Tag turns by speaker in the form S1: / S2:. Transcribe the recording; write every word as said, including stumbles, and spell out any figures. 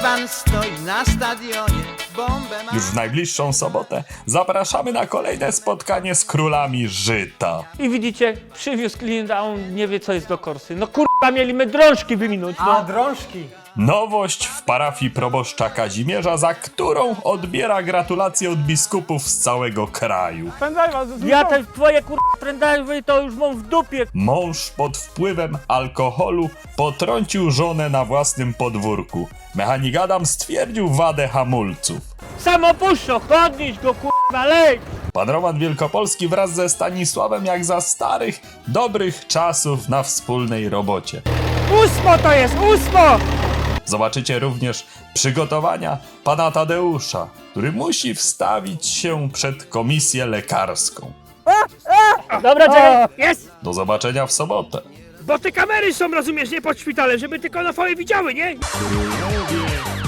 S1: Pan stoi na stadionie, bombę ma...
S2: Już w najbliższą sobotę zapraszamy na kolejne spotkanie z królami żyta.
S3: I widzicie, przywiózł klient, a on nie wie, co jest do korsy. No kurwa, mieliśmy drążki wyminąć, no.
S4: A, drążki.
S2: Nowość w parafii proboszcza Kazimierza, za którą odbiera gratulacje od biskupów z całego kraju.
S3: Ja te twoje kurwa prędajwy to już mam w dupie.
S2: Mąż pod wpływem alkoholu potrącił żonę na własnym podwórku. Mechanik Adam stwierdził wadę hamulców.
S3: Samopuszczo, podnieś go kurwa, lej.
S2: Pan Roman Wielkopolski wraz ze Stanisławem jak za starych, dobrych czasów na wspólnej robocie.
S3: Ósmo to jest, ósmo!
S2: Zobaczycie również przygotowania pana Tadeusza, który musi wstawić się przed komisję lekarską.
S3: Dobra, czekaj, jest!
S2: Do zobaczenia w sobotę.
S3: Bo te kamery są, rozumiesz, nie pod szpitalem, żeby tylko na fale widziały, nie?